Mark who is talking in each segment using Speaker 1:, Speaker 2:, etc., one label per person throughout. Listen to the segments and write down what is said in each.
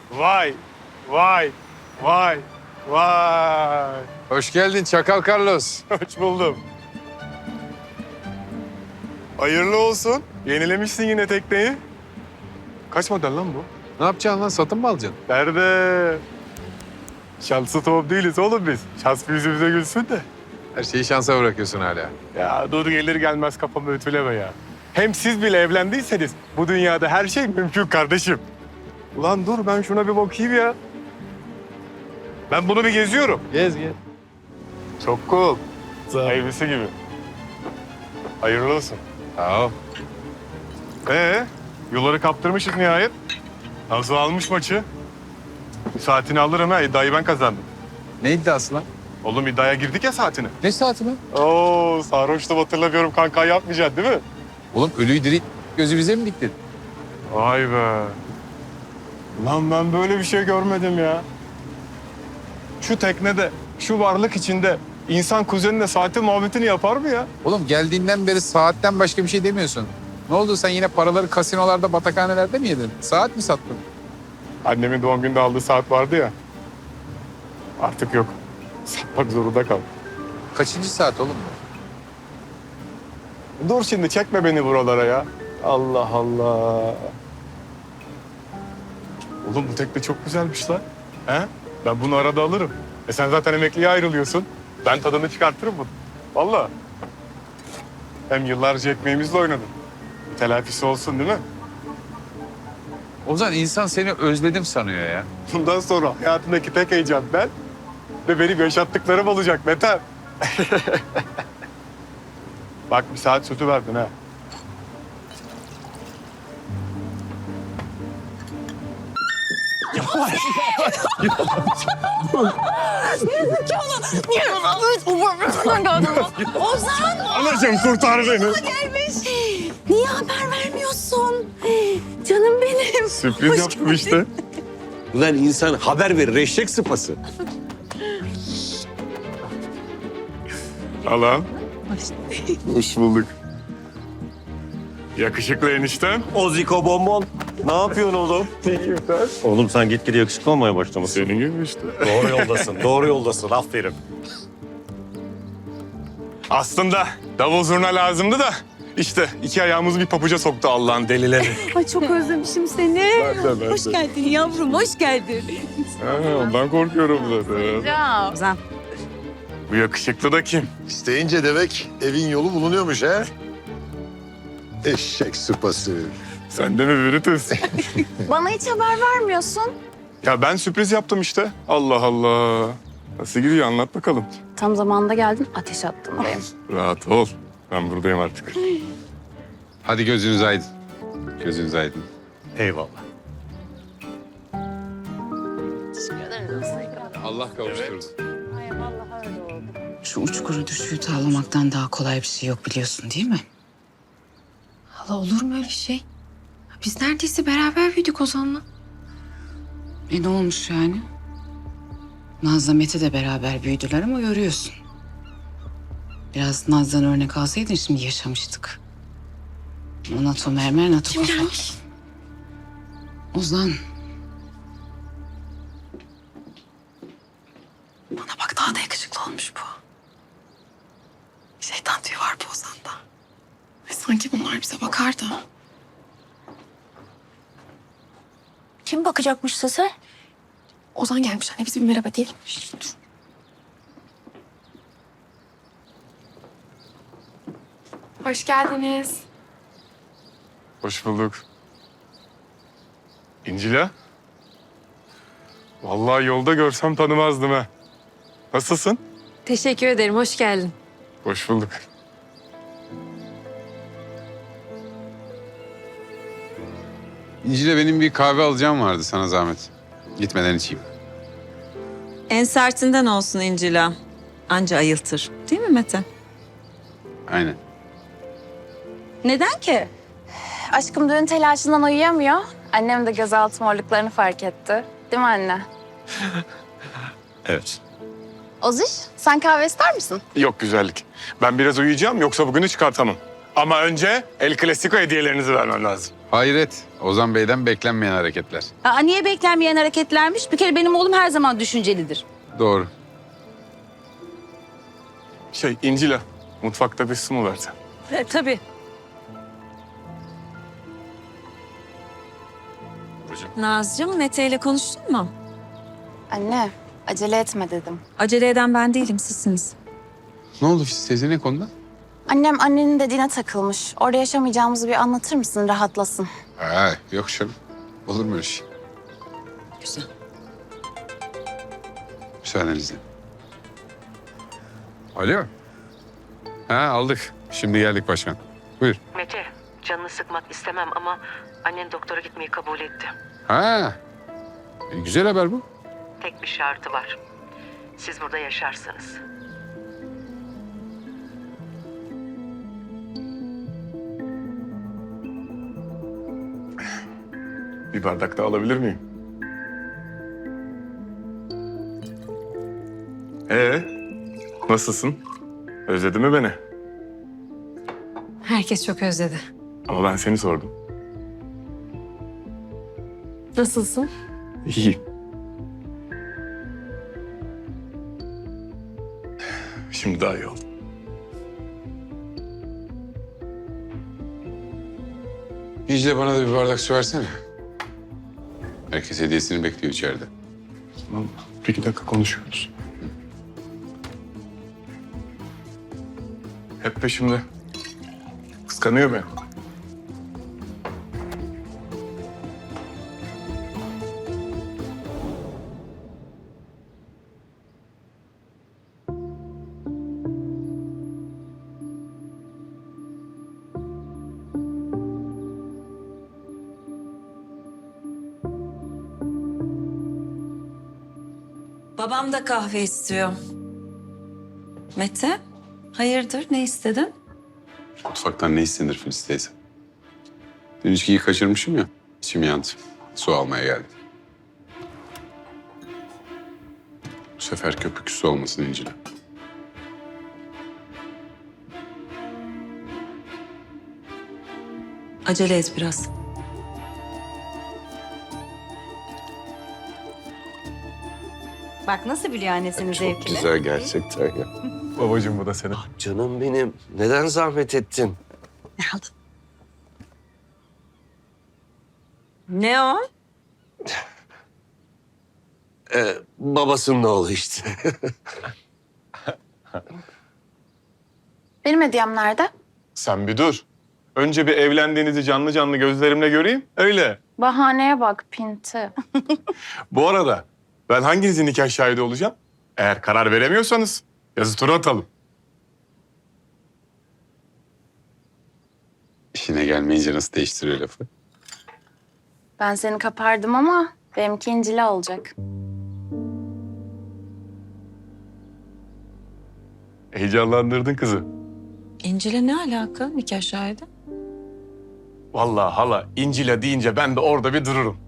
Speaker 1: Vay, vay, vay, vay.
Speaker 2: Hoş geldin Çakal Carlos.
Speaker 1: Hoş buldum. Hayırlı olsun. Yenilemişsin yine tekneyi. Kaç model lan bu?
Speaker 2: Ne yapacaksın lan? Satın mı alacaksın?
Speaker 1: Nerede? Şanslı top değiliz oğlum biz. Şans bir yüzümüze gülsün de.
Speaker 2: Her şeyi şansa bırakıyorsun hala.
Speaker 1: Ya dur gelir gelmez kafamı ötüleme ya. Hem siz bile evlendiyseniz bu dünyada her şey mümkün kardeşim. Ulan dur ben şuna bir bakayım ya. Ben bunu bir geziyorum.
Speaker 2: Gez gez.
Speaker 1: Çok cool. Hayırlısı gibi. Hayırlı olsun.
Speaker 2: Sağ ol.
Speaker 1: Yolları kaptırmışız nihayet. Nazo almış maçı. Saatini alırım ha. İddiayı ben kazandım.
Speaker 2: Ne iddiası lan?
Speaker 1: Oğlum iddiaya girdik ya saatini.
Speaker 2: Ne saati lan?
Speaker 1: Oo sarhoştum hatırlamıyorum kanka yapmayacaksın değil mi?
Speaker 2: Oğlum ölüyü diri gözü bize mi diktin?
Speaker 1: Vay be. Lan ben böyle bir şey görmedim ya. Şu teknede, şu varlık içinde insan kuzenine saati muhabbetini yapar mı ya?
Speaker 2: Oğlum geldiğinden beri saatten başka bir şey demiyorsun. Ne oldu sen yine paraları kasinolarda, batakhanelerde mi yedin? Saat mi sattın?
Speaker 1: Annemin doğum gününde aldığı saat vardı ya. Artık yok. Satmak zorunda kaldım.
Speaker 2: Kaçıncı saat oğlum bu?
Speaker 1: Dur şimdi çekme beni buralara ya. Allah Allah. Oğlum bu tekne çok güzelmiş lan. He? Ben bunu arada alırım. Sen zaten emekliye ayrılıyorsun. Ben tadını çıkartırım bunu. Vallahi. Hem yıllarca ekmeğimizle oynadım. Bir telafisi olsun değil mi?
Speaker 2: Ozan insan seni özledim sanıyor ya.
Speaker 1: Bundan sonra hayatındaki tek heyecan ben ve benim yaşattıklarım olacak Mete. Bak bir saat sütü verdin ha.
Speaker 3: Ozan
Speaker 1: Anacığım kurtar beni.
Speaker 3: gelmiş. Niye haber vermiyorsun? Canım benim.
Speaker 1: Sürpriz
Speaker 3: Hoş
Speaker 1: yaptım
Speaker 3: geldin.
Speaker 1: işte.
Speaker 4: Ulan insan haber verir eşek sıpası.
Speaker 1: Alan. Hoş bulduk. Yakışıklı eniştem.
Speaker 4: Oziko bonbon. Ne yapıyorsun oğlum?
Speaker 1: İyiyim sen.
Speaker 4: Oğlum sen gitgide yakışıklı olmaya başlamışsın.
Speaker 1: Senin gibi işte.
Speaker 4: Doğru yoldasın, doğru yoldasın. Aferin.
Speaker 1: Aslında davul zurna lazımdı da işte iki ayağımızı bir pabuca soktu Allah'ın delileri.
Speaker 3: Ay çok özlemişim seni.
Speaker 1: Ben
Speaker 3: Hoş geldin yavrum, hoş geldin.
Speaker 1: Ondan korkuyorum zaten.
Speaker 3: Ozan.
Speaker 1: Bu yakışıklı da kim?
Speaker 5: İsteyince demek evin yolu bulunuyormuş ha? Eşek sıpası.
Speaker 1: Sen de mi Brutus?
Speaker 3: Bana hiç haber vermiyorsun.
Speaker 1: Ya ben sürpriz yaptım işte. Allah Allah. Nasıl gidiyor anlat bakalım.
Speaker 3: Tam zamanında geldin, ateş attım benim.
Speaker 1: Rahat ol. Ben buradayım artık.
Speaker 2: Hadi gözünüz aydın. Gözünüz aydın.
Speaker 4: Eyvallah.
Speaker 2: Allah kavuşturdu.
Speaker 6: Şu uçkuru düşüğü tavlamaktan daha kolay bir şey yok biliyorsun değil mi?
Speaker 7: Hala olur mu öyle şey? Biz neredeyse beraber büyüdük Ozan'la.
Speaker 6: Ne olmuş yani? Naz'la Mete de beraber büyüdüler ama görüyorsun. Biraz Naz'dan örnek alsaydın şimdi yaşamıştık. O NATO mermer, NATO
Speaker 7: Kim
Speaker 6: kafa.
Speaker 7: gelmiş?
Speaker 6: Ozan. Bana bak daha da yakışıklı olmuş bu. Şeytan tüyü var bu Ozan'da.
Speaker 7: Ay, sanki bunlar bize bakar da.
Speaker 3: Kim bakacakmış sese?
Speaker 7: Ozan gelmiş anne, biz bir merhaba diyelim. Dur. Hoş geldiniz.
Speaker 1: Hoş bulduk. İncila. Vallahi yolda görsem tanımazdım ha. Nasılsın?
Speaker 8: Teşekkür ederim, hoş geldin.
Speaker 1: Hoş bulduk.
Speaker 2: İncil'e benim bir kahve alacağım vardı sana zahmet. Gitmeden içeyim.
Speaker 9: En sertinden olsun İncila. Anca ayıltır. Değil mi Mete?
Speaker 2: Aynen.
Speaker 3: Neden ki? Aşkım düğün telaşından uyuyamıyor. Annem de gözaltı morluklarını fark etti. Değil mi anne?
Speaker 4: Evet.
Speaker 3: Oziş, sen kahve ister misin?
Speaker 1: Yok güzellik. Ben biraz uyuyacağım yoksa bugünü çıkartamam. Ama önce El Clasico hediyelerinizi vermem lazım.
Speaker 2: Hayret. Ozan Bey'den beklenmeyen hareketler.
Speaker 6: Aa, niye beklenmeyen hareketlermiş? Bir kere benim oğlum her zaman düşüncelidir.
Speaker 2: Doğru.
Speaker 1: İncil'e mutfakta bir su mu versen?
Speaker 9: Tabii. Nazcığım, Mete ile konuştun mu?
Speaker 3: Anne, acele etme dedim.
Speaker 9: Acele eden ben değilim, sizsiniz.
Speaker 2: Ne oldu Filiz teyze, ne konuda?
Speaker 3: Annem annenin dediğine takılmış. Orada yaşamayacağımızı bir anlatır mısın, rahatlasın.
Speaker 2: Ha, yok canım. Olur mu öyle şey?
Speaker 9: Güzel.
Speaker 2: Müsaadenizle. Alo. Ha, aldık. Şimdi geldik başkan. Buyur.
Speaker 10: Mete, canını sıkmak istemem ama annen doktora gitmeyi kabul etti.
Speaker 2: Ha. Güzel haber bu.
Speaker 10: Tek bir şartı var. Siz burada yaşarsınız.
Speaker 1: Bir bardak daha alabilir miyim? Nasılsın? Özledin mi beni?
Speaker 8: Herkes çok özledi.
Speaker 1: Ama ben seni sordum.
Speaker 8: Nasılsın?
Speaker 1: İyiyim. Şimdi daha iyi oldu.
Speaker 2: İyice bana da bir bardak su versene. Herkes hediyesini bekliyor içeride.
Speaker 1: Tamam. Bir iki dakika konuşuyoruz. Hep peşimde. Kıskanıyor beni.
Speaker 9: Babam da kahve istiyor. Mete, hayırdır, ne istedin?
Speaker 2: Mutfaktan ne istenir Filiz teyze? Dün içkiyi kaçırmışım ya. İçim yandı. Su almaya geldim. Bu sefer köpük su olmasın İncil'e.
Speaker 9: Acele et biraz.
Speaker 6: Bak nasıl biliyor annesinin zevkini.
Speaker 5: Güzel gerçekten ya.
Speaker 1: Babacığım bu da senin.
Speaker 5: Canım benim. Neden zahmet ettin?
Speaker 6: Ne aldın?
Speaker 9: Ne o?
Speaker 5: Babasının oğlu işte.
Speaker 3: Benim hediyem nerede?
Speaker 1: Sen bir dur. Önce bir evlendiğinizi canlı canlı gözlerimle göreyim. Öyle.
Speaker 3: Bahaneye bak Pinti.
Speaker 1: Bu arada ben hanginizin nikah şahidi olacağım? Eğer karar veremiyorsanız yazı tura atalım.
Speaker 2: İşine gelmeyince nasıl değiştiriyor lafı?
Speaker 3: Ben seni kapardım ama benimki İncil'e olacak.
Speaker 1: Heyecanlandırdın kızı.
Speaker 9: İncil'e ne alaka nikah şahidi?
Speaker 1: Vallahi hala İncil'e deyince ben de orada bir dururum.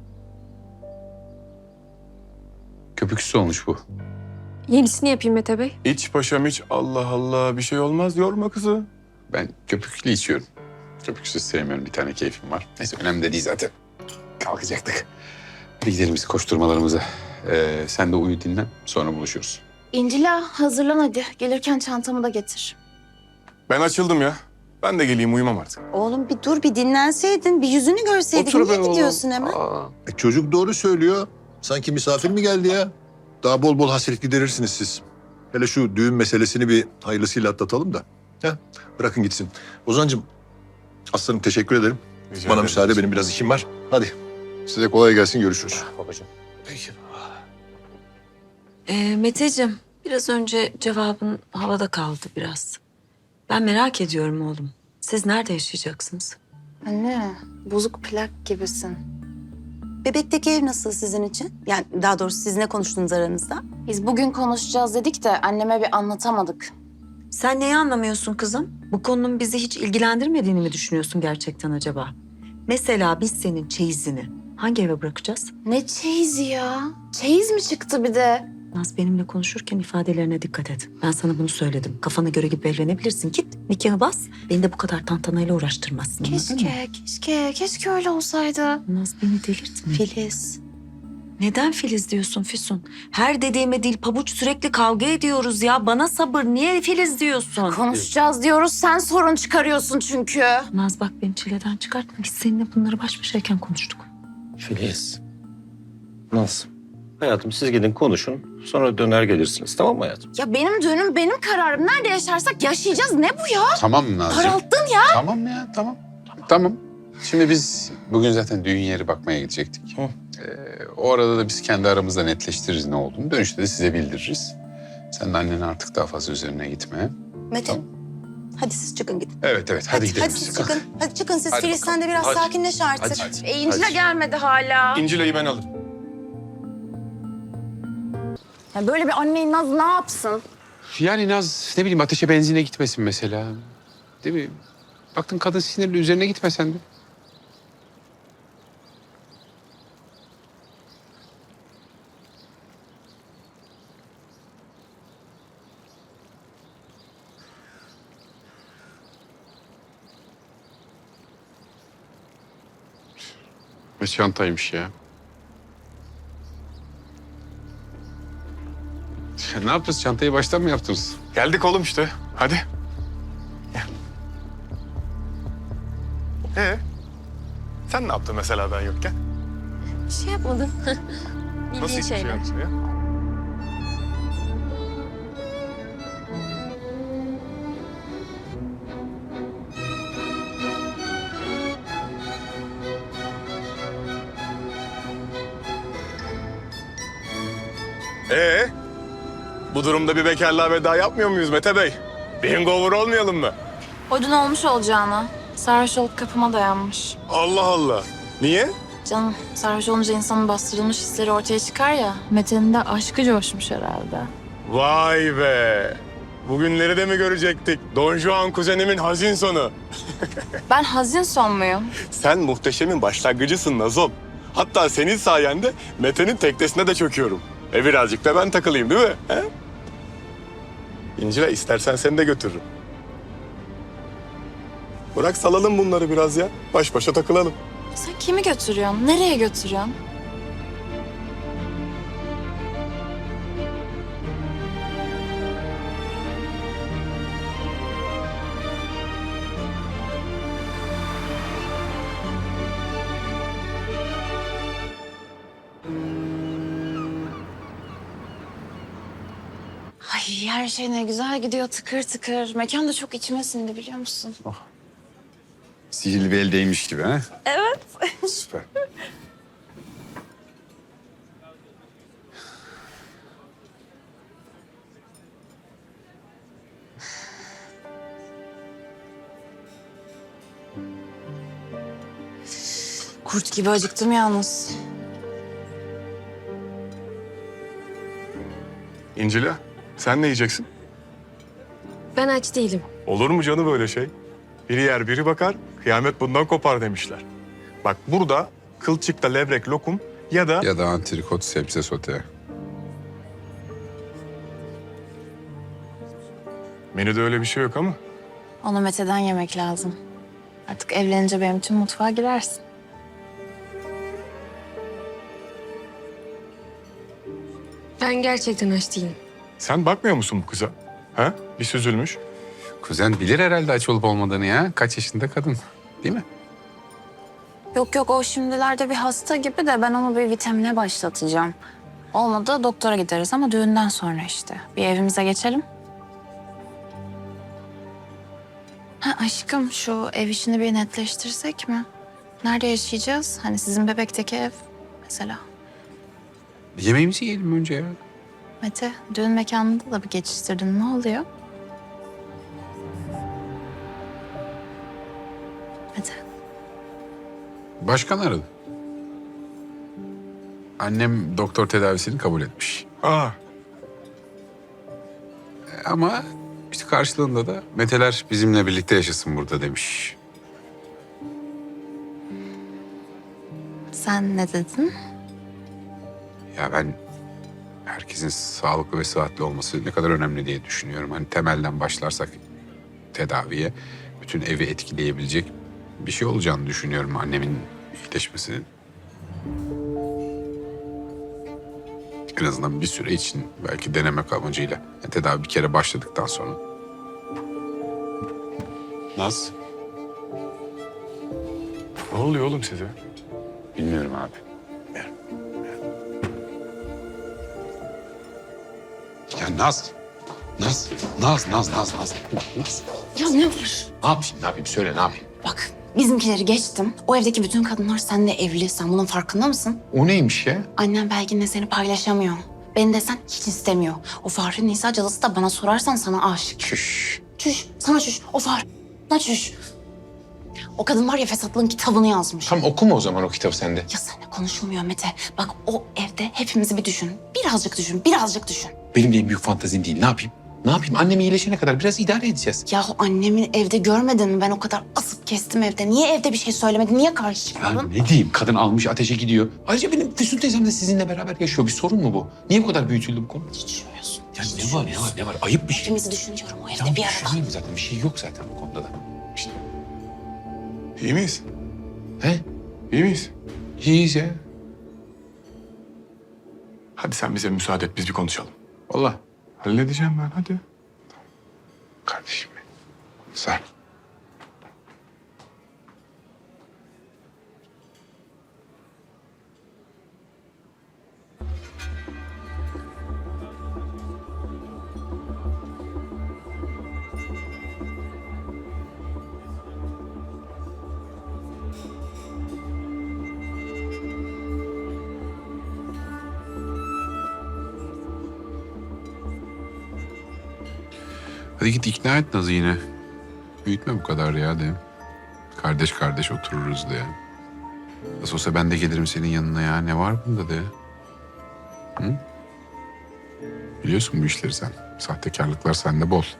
Speaker 2: Köpük su olmuş bu.
Speaker 8: Yenisini yapayım Mete Bey.
Speaker 1: İç paşam iç. Allah Allah bir şey olmaz. Yorma kızı.
Speaker 2: Ben köpüklü içiyorum. Köpüksüz sevmiyorum. Bir tane keyfim var. Neyse önemli de değil zaten. Kalkacaktık. Hadi gidelim biz koşturmalarımıza. Sen de uyu dinlen. Sonra buluşuruz.
Speaker 3: İncil'e hazırlan hadi. Gelirken çantamı da getir.
Speaker 1: Ben açıldım ya. Ben de geleyim uyumam artık.
Speaker 6: Oğlum bir dur bir dinlenseydin, bir yüzünü görseydin. Niye gidiyorsun hemen?
Speaker 5: Çocuk doğru söylüyor. Sanki misafir mi geldi ya? Daha bol bol hasret giderirsiniz siz. Hele şu düğün meselesini bir hayırlısıyla atlatalım da. Heh, bırakın gitsin. Ozan'cığım, aslanım teşekkür ederim.
Speaker 1: Rica
Speaker 5: Bana
Speaker 1: ederim.
Speaker 5: müsaade, benim biraz işim var. Hadi. Size kolay gelsin, görüşürüz.
Speaker 4: Babacığım.
Speaker 5: Peki.
Speaker 9: Meteciğim, biraz önce cevabın havada kaldı biraz. Ben merak ediyorum oğlum. Siz nerede yaşayacaksınız?
Speaker 3: Anne, bozuk plak gibisin.
Speaker 6: Bebekteki ev nasıl sizin için? Yani daha doğrusu siz ne konuştunuz aranızda?
Speaker 3: Biz bugün konuşacağız dedik de anneme bir anlatamadık.
Speaker 9: Sen neyi anlamıyorsun kızım? Bu konunun bizi hiç ilgilendirmediğini mi düşünüyorsun gerçekten acaba? Mesela biz senin çeyizini hangi eve bırakacağız?
Speaker 3: Ne çeyizi ya? Çeyiz mi çıktı bir de?
Speaker 9: Naz benimle konuşurken ifadelerine dikkat et. Ben sana bunu söyledim. Kafana göre gibi evlenebilirsin. Git nikahı bas. Beni de bu kadar tantanayla uğraştırmazsın. anladın mı?
Speaker 3: Keşke öyle olsaydı.
Speaker 9: Naz beni delirtme. Filiz. Neden Filiz diyorsun Füsun? Her dediğime dil pabuç, sürekli kavga ediyoruz ya. Bana sabır. Niye Filiz diyorsun?
Speaker 3: Konuşacağız diyoruz, sen sorun çıkarıyorsun çünkü.
Speaker 9: Naz bak beni çileden çıkartma. Biz seninle bunları baş başayken konuştuk.
Speaker 4: Filiz. Nasıl? Hayatım siz gidin konuşun. Sonra döner gelirsiniz. Tamam mı hayatım?
Speaker 3: Ya benim düğünüm benim kararım. Nerede yaşarsak yaşayacağız. Ne bu ya?
Speaker 2: Tamam Nazcığım.
Speaker 3: Paralttın ya.
Speaker 2: Tamam ya, tamam. Tamam. Şimdi biz bugün zaten düğün yeri bakmaya gidecektik.
Speaker 4: Hı.
Speaker 2: O arada da biz kendi aramızda netleştiririz ne olduğunu. Dönüşte de size bildiririz. Sen de annene artık daha fazla üzerine gitme.
Speaker 11: Metin,
Speaker 2: Tamam.
Speaker 11: hadi siz çıkın gidin.
Speaker 2: Evet, hadi gidelim
Speaker 11: Hadi
Speaker 2: biz.
Speaker 11: siz çıkın. Hadi çıkın siz.
Speaker 2: Hadi
Speaker 11: Filiz
Speaker 2: bakalım.
Speaker 11: sen de biraz
Speaker 4: Hadi.
Speaker 11: sakinleş artık.
Speaker 3: İncil'e gelmedi hala.
Speaker 1: İncile'yi ben alırım.
Speaker 3: Ya böyle bir anneyi Naz ne yapsın?
Speaker 2: Yani Naz ne bileyim ateşe benzine gitmesin mesela. Değil mi? Baktın kadın sinirli üzerine gitme sen de. Ne çantaymış ya. Ne yapacağız? Çantayı baştan mı yaptınız?
Speaker 1: Geldik oğlum işte. Hadi. Gel. Sen ne yaptın mesela ben yokken?
Speaker 8: Bir şey yapmadım.
Speaker 1: Nasıl
Speaker 8: Bildiğin
Speaker 1: hiçbir şey
Speaker 8: şeyler.
Speaker 1: yaptın ya? Bu durumda bir bekarlığa veda yapmıyor muyuz Mete Bey? Bir hangover olmayalım mı?
Speaker 3: O dün olmuş olacağına. Sarhoş olup kapıma dayanmış.
Speaker 1: Allah Allah. Niye?
Speaker 3: Canım sarhoş olunca insanın bastırılmış hisleri ortaya çıkar ya. Mete'nin de aşkı coşmuş herhalde.
Speaker 1: Vay be. Bugünleri de mi görecektik? Don Juan kuzenimin hazin sonu.
Speaker 3: Ben hazin son muyum?
Speaker 1: Sen muhteşemin başlangıcısın Nazom. Hatta senin sayende Mete'nin teknesine de çöküyorum. Birazcık da ben takılayım değil mi? He? İncil'e istersen seni de götürürüm. Bırak salalım bunları biraz ya. Baş başa takılalım.
Speaker 3: Sen kimi götürüyorsun? Nereye götürüyorsun? Ay her şey ne güzel gidiyor tıkır tıkır. Mekan da çok içime sindi biliyor musun?
Speaker 2: Sihirli bir eldeymiş gibi ha?
Speaker 3: Evet.
Speaker 2: Süper.
Speaker 3: Kurt gibi acıktım yalnız.
Speaker 1: İncil'e sen ne yiyeceksin?
Speaker 8: Ben aç değilim.
Speaker 1: Olur mu canım böyle şey? Biri yer biri bakar, kıyamet bundan kopar demişler. Bak burada kılçıkta levrek lokum ya da...
Speaker 2: Ya da antrikot sebze sote.
Speaker 1: Menüde öyle bir şey yok ama.
Speaker 3: Onu Mete'den yemek lazım. Artık evlenince benim için mutfağa girersin.
Speaker 8: Ben gerçekten aç değilim.
Speaker 1: Sen bakmıyor musun bu kıza? Ha? Bir süzülmüş.
Speaker 2: Kuzen bilir herhalde aç olup olmadığını ya. Kaç yaşında kadın değil mi?
Speaker 3: Yok o şimdilerde bir hasta gibi de ben onu bir vitamine başlatacağım. Olmadı doktora gideriz ama düğünden sonra işte. Bir evimize geçelim. Ha aşkım şu ev işini bir netleştirsek mi? Nerede yaşayacağız? Hani sizin bebekteki ev mesela.
Speaker 2: Yemeğimizi yiyelim önce ya.
Speaker 3: Mete düğün mekanında da bir geçiştirdin. Ne oluyor? Mete.
Speaker 2: Başkan aradı. Annem doktor tedavisini kabul etmiş.
Speaker 1: Aa,
Speaker 2: Ama işte karşılığında da Meteler bizimle birlikte yaşasın burada demiş.
Speaker 3: Sen ne dedin?
Speaker 2: Ya ben herkesin sağlıklı ve sıhhatli olması ne kadar önemli diye düşünüyorum. Hani temelden başlarsak tedaviye bütün evi etkileyebilecek bir şey olacağını düşünüyorum annemin iyileşmesinin. En azından bir süre için belki denemek amacıyla. Yani tedavi bir kere başladıktan sonra. Naz?
Speaker 1: Ne oluyor oğlum size?
Speaker 2: Bilmiyorum abi. Ya Naz. Naz.
Speaker 3: Ya ne var?
Speaker 2: Ne yapayım? Söyle ne yapayım?
Speaker 3: Bak bizimkileri geçtim. O evdeki bütün kadınlar seninle evli. Sen bunun farkında mısın?
Speaker 2: O neymiş ya?
Speaker 3: Annem Belgin'le seni paylaşamıyor. Beni desen hiç istemiyor. O Fahri Nisa cadısı da bana sorarsan sana aşık.
Speaker 2: Çüş.
Speaker 3: Çüş, sana çüş. O Fahri, sana çüş. O kadın var ya fesatlığın kitabını yazmış.
Speaker 2: Tam okuma o zaman o kitabı sende.
Speaker 3: Ya seninle konuşulmuyor Mete. Bak o evde hepimizi bir düşün. Birazcık düşün.
Speaker 2: Benim de en büyük fantazim değil. Ne yapayım? Ne yapayım? Annem iyileşene kadar biraz idare edeceğiz.
Speaker 3: Yahu annemin evde görmedin mi? Ben o kadar asıp kestim evde. Niye evde bir şey söylemedin? Niye karşı
Speaker 2: Ya
Speaker 3: çıkmadın?
Speaker 2: ne diyeyim? Kadın almış ateşe gidiyor. Ayrıca benim Füsun teyzem de sizinle beraber yaşıyor. Bir sorun mu bu? Niye bu kadar büyütüldü bu konu?
Speaker 3: Hiç düşünmüyorsun.
Speaker 2: Ya ne var? Ayıp bir şey.
Speaker 3: Hepimizi düşünüyorum o evde
Speaker 2: Ya
Speaker 3: bir arada.
Speaker 2: düşünüyorum zaten. Bir şey yok zaten bu konuda da. İşte.
Speaker 1: İyi miyiz?
Speaker 2: He?
Speaker 1: İyi miyiz?
Speaker 2: İyiyiz ya.
Speaker 1: Hadi sen bize müsaade et biz bir konuşalım.
Speaker 2: Vallahi.
Speaker 1: Halledeceğim ben hadi.
Speaker 2: Kardeşim benim. Sağ ol. Hadi git ikna et Naz'ı yine. Büyütme bu kadar ya de. Kardeş kardeş otururuz de. Nasıl olsa ben de gelirim senin yanına ya. Ne var bunda de. Hı? Biliyorsun bu işleri sen. Sahtekarlıklar sende bol.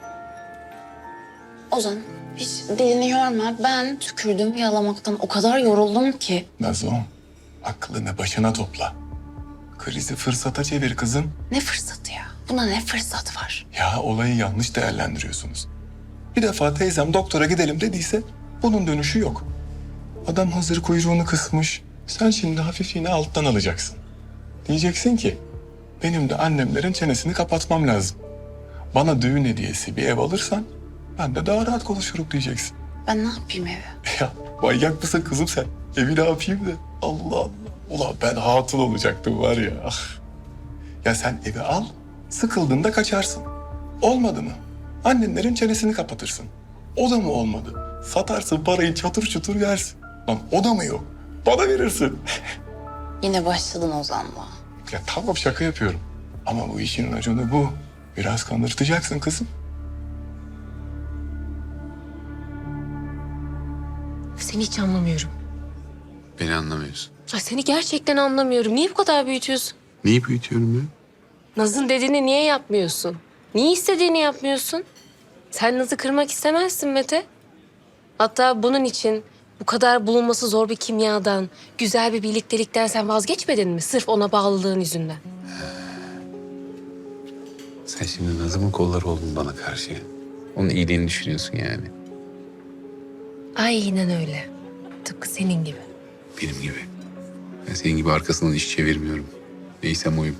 Speaker 3: Ozan hiç dilini yorma. Ben tükürdüm yalamaktan o kadar yoruldum ki.
Speaker 1: Nazo, aklını başına topla. Krizi fırsata çevir kızım.
Speaker 3: Ne fırsatı ya? Buna ne fırsat var?
Speaker 1: Ya olayı yanlış değerlendiriyorsunuz. Bir defa teyzem doktora gidelim dediyse bunun dönüşü yok. Adam hazır kuyruğunu kısmış. Sen şimdi hafif yine alttan alacaksın. Diyeceksin ki benim de annemlerin çenesini kapatmam lazım. Bana düğün hediyesi bir ev alırsan ben de daha rahat konuşurum diyeceksin.
Speaker 3: Ben ne yapayım evi?
Speaker 1: Ya manyak mısın kızım sen? Evi ne yapayım da? Allah Allah. Ulan ben hatun olacaktım var ya. Ah. Ya sen evi al, sıkıldığında kaçarsın. Olmadı mı? Annenlerin çenesini kapatırsın. O da mı olmadı? Satarsın parayı çatır çutur yersin. Lan o da mı yok? Bana verirsin.
Speaker 3: Yine başladın Ozan'la.
Speaker 1: Ya tamam şaka yapıyorum. Ama bu işin raconu bu. Biraz kanırtacaksın kızım.
Speaker 8: Seni hiç anlamıyorum.
Speaker 2: Beni anlamıyorsun.
Speaker 8: Ay seni gerçekten anlamıyorum. Niye bu kadar büyütüyorsun?
Speaker 2: Neyi büyütüyorum ya?
Speaker 8: Naz'ın dediğini niye yapmıyorsun? Niye istediğini yapmıyorsun? Sen Naz'ı kırmak istemezsin Mete. Hatta bunun için bu kadar bulunması zor bir kimyadan, güzel bir birliktelikten sen vazgeçmedin mi? Sırf ona bağlılığın yüzünden.
Speaker 2: Sen şimdi Nazım'ın kolları oldun bana karşı. Onun iyiliğini düşünüyorsun yani.
Speaker 8: Aynen öyle. Tıpkı senin gibi.
Speaker 2: Benim gibi. Ben senin gibi arkasından iş çevirmiyorum. Neysem oyum.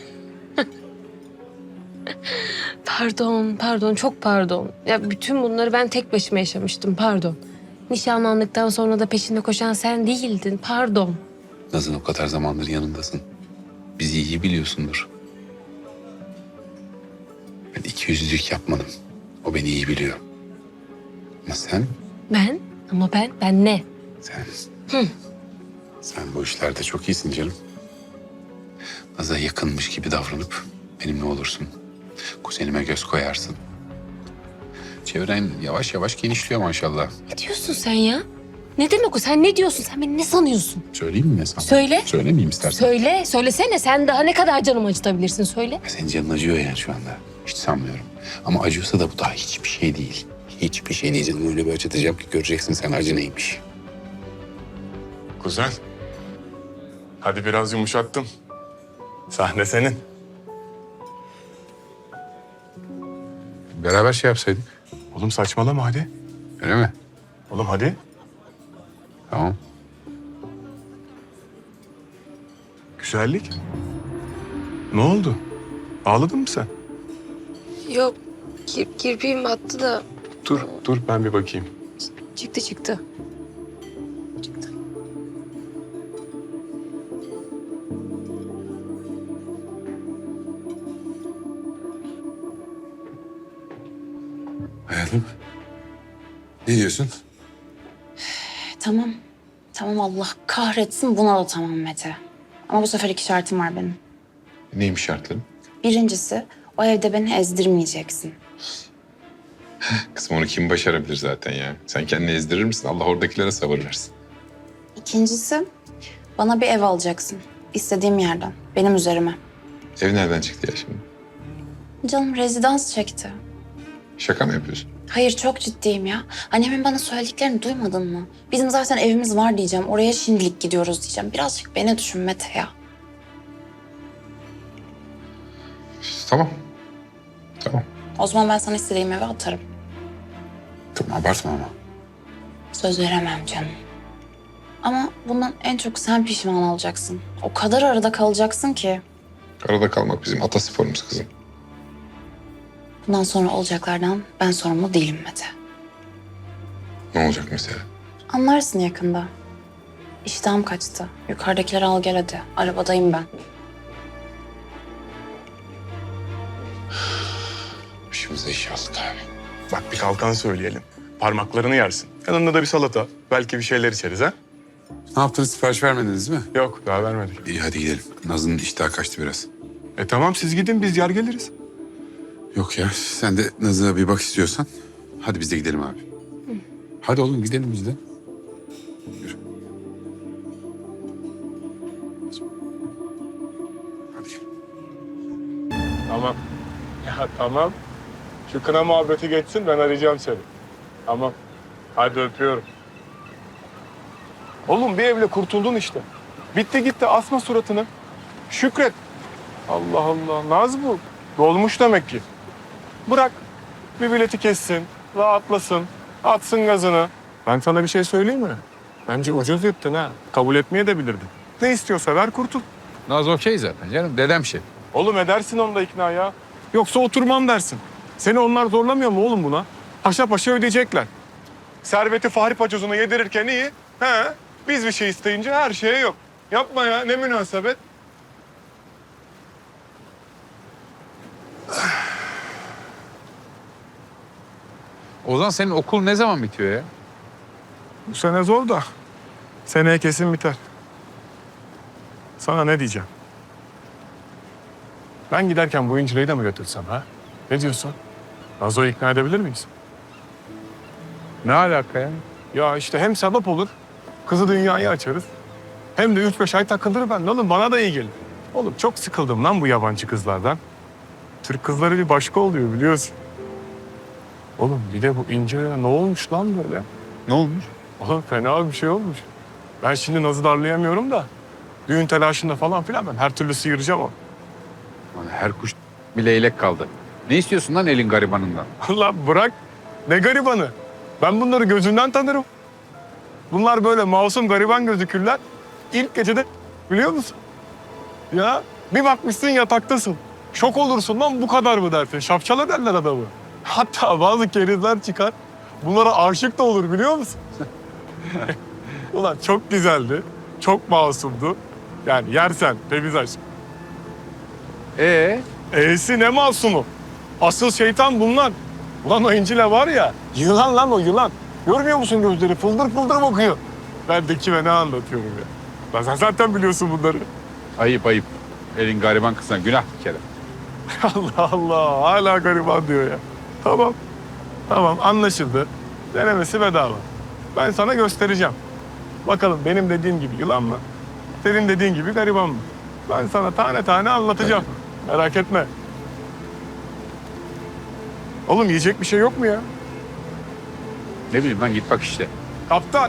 Speaker 8: Pardon, çok pardon. Ya bütün bunları ben tek başıma yaşamıştım, pardon. Nişanlandıktan sonra da peşinde koşan sen değildin, pardon.
Speaker 2: Naz'ın o kadar zamandır yanındasın. Bizi iyi biliyorsundur. Ben ikiyüzlülük yapmadım. O beni iyi biliyor. Ama sen,
Speaker 8: Ben ne?
Speaker 2: sen... Sen bu işlerde çok iyisin canım. Naz'a yakınmış gibi davranıp benimle olursun. Kuzenime göz koyarsın. Çevren yavaş yavaş genişliyor maşallah.
Speaker 8: Ne diyorsun sen ya? Ne demek o? Sen ne diyorsun? Sen beni ne sanıyorsun?
Speaker 2: Söyleyeyim mi sana?
Speaker 8: Söyle.
Speaker 2: Söylemeyeyim istersen.
Speaker 8: Söylesene. Sen daha ne kadar canımı acıtabilirsin? Söyle.
Speaker 2: Senin canın acıyor yani şu anda. Hiç sanmıyorum. Ama acıyorsa da bu daha hiçbir şey değil. Hiçbir şey değil canım. Öyle bir acıtacağım ki göreceksin sen acı neymiş.
Speaker 1: Kuzen. Hadi biraz yumuşattım. Sahne senin.
Speaker 2: Beraber şey yapsaydık.
Speaker 1: Oğlum saçmalama hadi.
Speaker 2: Öyle mi?
Speaker 1: Oğlum hadi.
Speaker 2: Tamam.
Speaker 1: Güzellik. Ne oldu? Ağladın mı sen?
Speaker 8: Yok, kirpiğim battı da
Speaker 1: Dur ben bir bakayım.
Speaker 8: çıktı.
Speaker 2: Hayatım. Ne diyorsun?
Speaker 3: Tamam. Tamam Allah kahretsin buna da tamam Mete. Ama bu sefer 2 şartım var benim.
Speaker 2: Neymiş şartların?
Speaker 3: Birincisi o evde beni ezdirmeyeceksin.
Speaker 2: Kızım onu kim başarabilir zaten ya? Sen kendini ezdirir misin? Allah oradakilere sabır versin.
Speaker 3: İkincisi bana bir ev alacaksın. İstediğim yerden. Benim üzerime.
Speaker 2: Ev nereden çıktı ya şimdi?
Speaker 3: Canım rezidans çekti.
Speaker 2: Şaka mı yapıyorsun?
Speaker 3: Hayır çok ciddiyim ya. Annemin bana söylediklerini duymadın mı? Bizim zaten evimiz var diyeceğim. Oraya şimdilik gidiyoruz diyeceğim. Birazcık beni düşün Mete ya.
Speaker 2: Tamam. Tamam.
Speaker 3: O zaman ben sana istediğim eve atarım.
Speaker 2: Tamam abartma ama.
Speaker 3: Söz veremem canım. Ama bundan en çok sen pişman olacaksın. O kadar arada kalacaksın ki.
Speaker 2: Arada kalmak bizim atasporumuz kızım.
Speaker 3: Bundan sonra olacaklardan ben sorumlu değilim Mete.
Speaker 2: Ne olacak mesela?
Speaker 3: Anlarsın yakında. İştahım kaçtı. Yukarıdakileri al gel hadi. Arabadayım ben.
Speaker 2: Başımıza iş aldık abi.
Speaker 1: Bak bir kalkan söyleyelim. Parmaklarını yersin. Yanında da bir salata. Belki bir şeyler içeriz ha?
Speaker 2: Ne yaptınız? Sipariş vermediniz mi?
Speaker 1: Yok daha vermedik.
Speaker 2: İyi hadi gidelim. Nazlı'nın iştahı kaçtı biraz.
Speaker 1: Tamam siz gidin biz yer geliriz.
Speaker 2: Yok ya sen de Nazlı'ya bir bak istiyorsan. Hadi biz de gidelim abi. Hadi oğlum gidelim biz de. Yürü. Hadi gel.
Speaker 1: Tamam. Ya tamam. Şu kına muhabbeti geçsin ben arayacağım seni. Tamam. Hadi öpüyorum. Oğlum bir evle kurtuldun işte. Bitti gitti asma suratını. Şükret. Allah Allah. Naz bu. Dolmuş demek ki. Bırak. Bir bileti kessin. Rahatlasın. Atsın gazını. Ben sana bir şey söyleyeyim mi? Bence ucuz yırttın ha. Kabul etmeye de bilirdin. Ne istiyorsa ver kurtul.
Speaker 2: Naz okey zaten canım. Dedem şey.
Speaker 1: Oğlum edersin onu da ikna ya. Yoksa oturmam dersin. Seni onlar zorlamıyor mu oğlum buna? Paşa paşa ödeyecekler. Serveti Fahri Paçoz'una yedirirken iyi. He. Biz bir şey isteyince her şeye yok. Yapma ya ne münasebet.
Speaker 2: Ozan senin okul ne zaman bitiyor ya?
Speaker 1: Bu sene zor da seneye kesin biter. Sana ne diyeceğim? Ben giderken bu İncile'yi de mi götürsem ha? Ne diyorsun? Nazo'yu ikna edebilir miyiz?
Speaker 2: Ne alaka ya?
Speaker 1: Ya işte hem sebep olur, kızı dünyayı açarız. Hem de 3-5 ay takılır ben. Oğlum bana da iyi gelir. Oğlum çok sıkıldım lan bu yabancı kızlardan. Türk kızları bir başka oluyor biliyorsun. Oğlum bir de bu İncile'ye ne olmuş lan böyle?
Speaker 2: Ne olmuş?
Speaker 1: Oğlum fena bir şey olmuş. Ben şimdi Naz'ı darlayamıyorum da. Düğün telaşında falan filan ben her türlü sıyıracağım onu.
Speaker 2: Lan her kuş bir leylek kaldı. Ne istiyorsun lan elin garibanından?
Speaker 1: Allah bırak. Ne garibanı. Ben bunları gözümden tanırım. Bunlar böyle masum gariban gözükürler. İlk gecede biliyor musun? Ya bir bakmışsın yataktasın. Şok olursun lan bu kadar mı dersin. Şapşala derler adamı. Hatta bazı kerizler çıkar. Bunlara aşık da olur biliyor musun? Ulan çok güzeldi. Çok masumdu. Yani yersen temiz aşk. E'si ne masumu? Asıl şeytan bunlar. Ulan o İncil'e var ya, yılan lan o yılan. Görmüyor musun gözleri? Fıldır fıldır bakıyor. Ben de kime ne anlatıyorum ya. Lan sen zaten biliyorsun bunları.
Speaker 2: Ayıp ayıp. Elin gariban kızına günah bir kere.
Speaker 1: Allah Allah, hala gariban diyor ya. Tamam, tamam anlaşıldı. Denemesi bedava. Ben sana göstereceğim. Bakalım benim dediğim gibi yılan mı? Senin dediğin gibi gariban mı? Ben sana tane tane anlatacağım. Merak etme. Oğlum yiyecek bir şey yok mu ya?
Speaker 2: Ne bileyim lan git bak işte.
Speaker 1: Kaptan.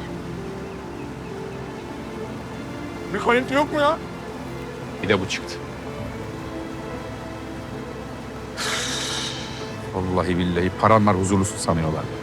Speaker 1: Bir kayıntı yok mu ya?
Speaker 2: Bir de bu çıktı.
Speaker 12: Vallahi billahi paran var huzurlusun sanıyorlar.